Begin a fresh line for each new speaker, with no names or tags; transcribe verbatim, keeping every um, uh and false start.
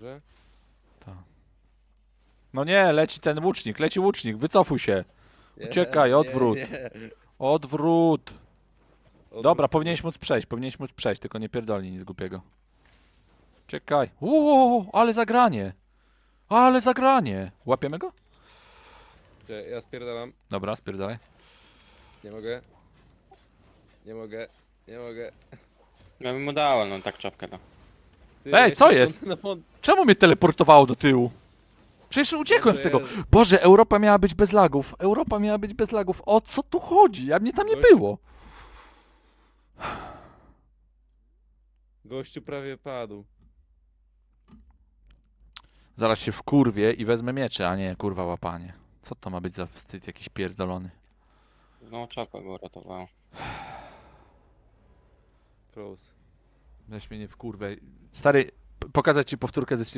Dobrze.
Tak. No nie, leci ten łucznik, leci łucznik, wycofuj się.
Nie,
Uciekaj,
nie,
odwrót.
nie.
Odwrót.
Odwrót,
Dobra, powinieneś móc przejść, powinieneś móc przejść, tylko nie pierdolnij nic głupiego. Czekaj. Uuu, ale zagranie. Ale zagranie. Łapiemy go?
Czekaj, ja spierdalam.
Dobra, spierdalaj.
Nie mogę. Nie mogę. Nie mogę.
Ja bym mu dałem, no tak czapkę da.
Ty,
Ej,
ja
co
się
jest?
na mont-
Czemu mnie teleportowało do tyłu? Przecież uciekłem z
Dobrze,
tego.
ja-
Boże, Europa miała być bez lagów. Europa miała być bez lagów. O co tu chodzi? Ja mnie tam nie
Gościu.
było.
Gościu prawie padł.
Zaraz się wkurwię i wezmę miecze, a nie kurwa łapanie. Co to ma być za wstyd jakiś pierdolony?
No czapka go uratowała.
Close.
Weź mnie nie wkurwę. Stary, p- pokazać ci powtórkę ze